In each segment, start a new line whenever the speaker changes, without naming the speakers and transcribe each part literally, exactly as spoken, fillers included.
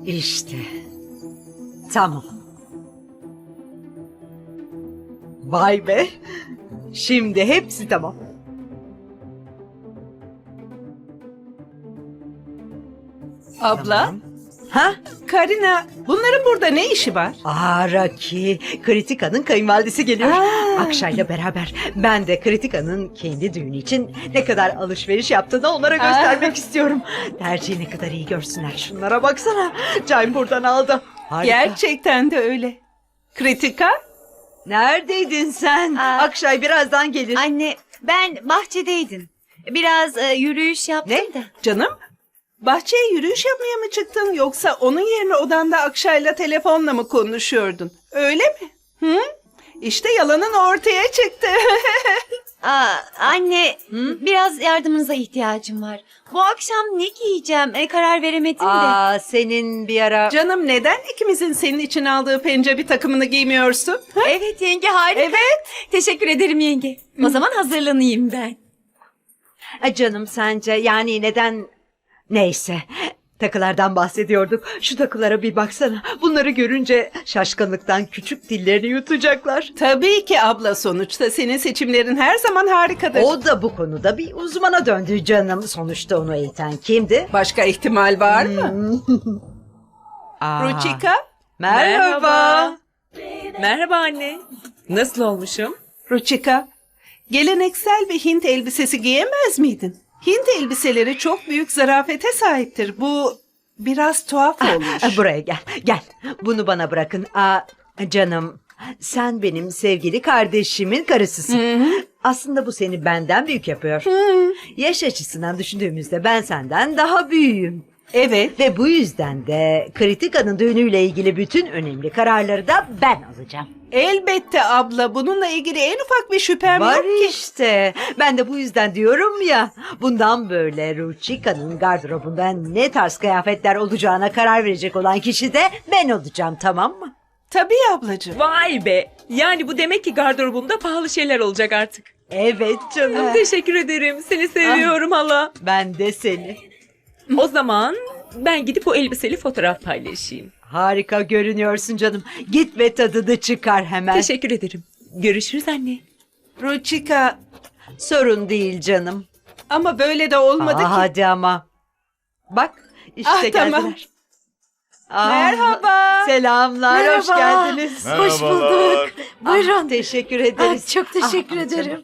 İşte. Tamam. Vay be. Şimdi hepsi tamam.
Abla,
Tamam. Ha?
Karina, bunların burada ne işi var?
Aa Raki, Kritika'nın kayınvalidesi geliyor.
Aa.
Akşay'la beraber ben de Kritika'nın kendi düğünü için ne kadar alışveriş yaptığını onlara göstermek istiyorum. Tercihi ne kadar iyi görsünler. Şunlara baksana. Cay buradan aldım. Harika.
Gerçekten de öyle. Kritika?
Neredeydin sen?
Aa.
Akşay birazdan gelir.
Anne, ben bahçedeydim. Biraz e, yürüyüş yaptım
Ne?
da.
Canım, bahçeye yürüyüş yapmaya mı çıktın yoksa onun yerine odanda Akşay'la telefonla mı konuşuyordun? Öyle mi? Hı? İşte yalanın ortaya çıktı.
Aa, anne, biraz yardımınıza ihtiyacım var. Bu akşam ne giyeceğim? E, karar veremedim de.
Aa, senin bir ara...
Canım neden ikimizin senin için aldığı pencebi takımını giymiyorsun? Ha?
Evet yenge, harika.
Evet.
Teşekkür ederim yenge. O zaman hazırlanayım ben.
Ay canım sence yani neden... Neyse. Takılardan bahsediyorduk. Şu takılara bir baksana. Bunları görünce şaşkınlıktan küçük dillerini yutacaklar.
Tabii ki abla, sonuçta senin seçimlerin her zaman harikadır.
O da bu konuda bir uzmana döndü canım. Sonuçta onu eğiten kimdi?
Başka ihtimal var mı?
Hmm. Aa,
Ruchika?
Merhaba.
Merhaba anne. Nasıl olmuşum?
Ruchika, geleneksel bir Hint elbisesi giyemez miydin? Hint elbiseleri çok büyük zarafete sahiptir. Bu biraz tuhaf olmuş.
Aa, Buraya gel. Gel. Bunu bana bırakın. Aa, canım sen benim sevgili kardeşimin karısısın. Aslında bu seni benden büyük yapıyor. Yaş açısından düşündüğümüzde ben senden daha büyüğüm.
Evet.
Ve bu yüzden de Kritika'nın düğünüyle ilgili bütün önemli kararları da ben alacağım.
Elbette abla, bununla ilgili en ufak bir şüphem
Var
yok ki.
işte. Ben de bu yüzden diyorum ya. Bundan böyle Ruchika'nın gardırobunda ne tarz kıyafetler olacağına karar verecek olan kişi de ben olacağım, tamam mı?
Tabii ablacığım.
Vay be. Yani bu demek ki gardırobumda pahalı şeyler olacak artık.
Evet canım.
Teşekkür ederim. Seni seviyorum hala.
Ben de seni.
O zaman ben gidip o elbiseli fotoğraf paylaşayım.
Harika görünüyorsun canım. Git ve tadını çıkar hemen.
Teşekkür ederim. Görüşürüz anne.
Ruchika,
Sorun değil canım.
ama böyle de olmadı
Aa,
ki.
hadi ama. Bak işte
Ah,
geldiler.
tamam.
Aa,
Merhaba.
Selamlar, hoş
Merhaba.
geldiniz.
Hoş bulduk. Buyurun.
Ah, teşekkür ederiz.
Ah, çok teşekkür
Ah,
ederim.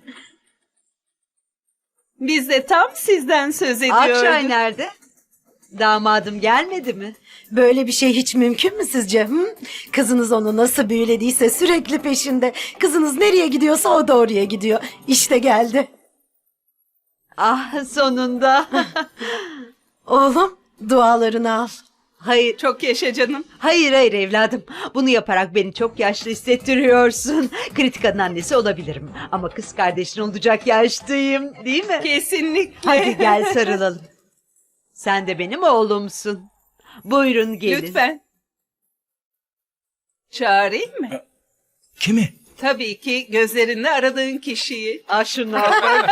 Biz de tam sizden söz ediyorduk.
Akşay nerede? Damadım gelmedi mi?
Böyle bir şey hiç mümkün mü sizce? Hı? Kızınız onu nasıl büyülediyse sürekli peşinde. Kızınız nereye gidiyorsa o da oraya gidiyor. İşte geldi.
Ah sonunda.
Oğlum dualarını al.
Hayır,
Çok yaşa canım.
hayır hayır evladım. Bunu yaparak beni çok yaşlı hissettiriyorsun. Kritika'nın annesi olabilirim. Ama kız kardeşin olacak yaştayım, değil mi?
Kesinlikle.
Hadi gel sarılalım. Sen de benim oğlumsun. Buyurun gelin.
Lütfen. Çağırayım mı?
Kimi?
Tabii ki gözlerinde aradığın kişiyi.
Ah şuna bak.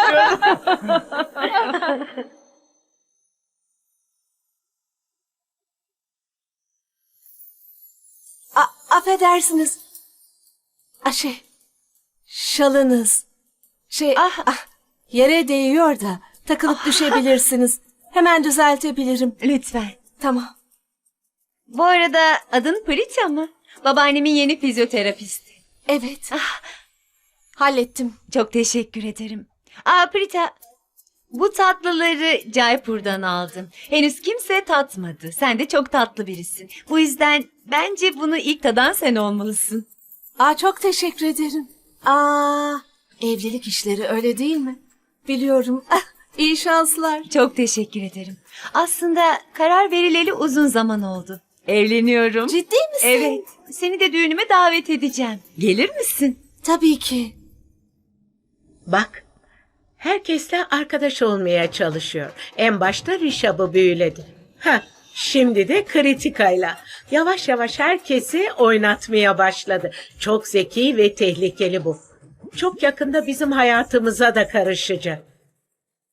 A- affedersiniz. A şey, şalınız. Şey,
Ah.
ah, yere değiyor da takılıp düşebilirsiniz. Hemen düzeltebilirim.
Lütfen.
Tamam.
Bu arada adın Prita mı? Babaannemin yeni fizyoterapisti.
Evet. Hallettim.
Çok teşekkür ederim. Aa Prita, bu tatlıları Jaipur'dan aldım. Henüz kimse tatmadı. Sen de çok tatlı birisin. Bu yüzden bence bunu ilk tadan sen olmalısın.
Aa, çok teşekkür ederim. Aa, evlilik işleri öyle değil mi? Biliyorum. Ah, iyi şanslar.
Çok teşekkür ederim. Aslında karar verileli uzun zaman oldu. Evleniyorum.
Ciddi misin?
Evet. Seni de düğünüme davet edeceğim. Gelir misin?
Tabii ki.
Bak, herkesle arkadaş olmaya çalışıyor. En başta Rişab'ı büyüledi. Ha, şimdi de Kritika'yla. Yavaş yavaş herkesi oynatmaya başladı. Çok zeki ve tehlikeli bu. Çok yakında bizim hayatımıza da karışacak.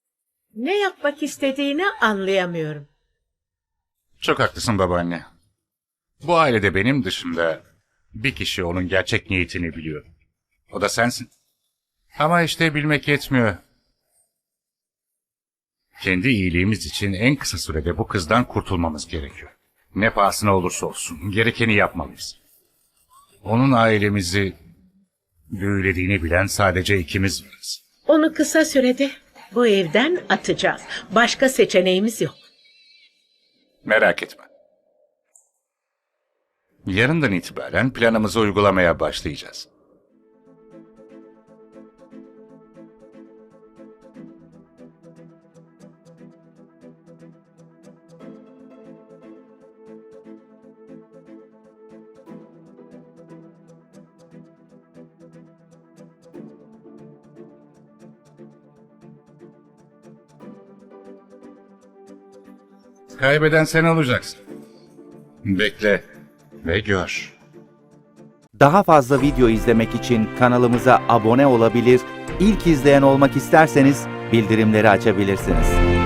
Ne yapmak istediğini anlayamıyorum.
Çok haklısın babaanne.
Bu ailede benim dışında bir kişi onun gerçek niyetini biliyor. O da sensin. Ama işte bilmek yetmiyor. Kendi iyiliğimiz için en kısa sürede bu kızdan kurtulmamız gerekiyor. Ne pahasına olursa olsun gerekeni yapmalıyız. Onun ailemizi büyülediğini bilen sadece ikimiz varız.
Onu kısa sürede bu evden atacağız. Başka seçeneğimiz yok.
Merak etme. Yarından itibaren planımızı uygulamaya başlayacağız. Kaybeden sen olacaksın. Bekle ve gör.
Daha fazla video izlemek için kanalımıza abone olabilir, ilk izleyen olmak isterseniz bildirimleri açabilirsiniz.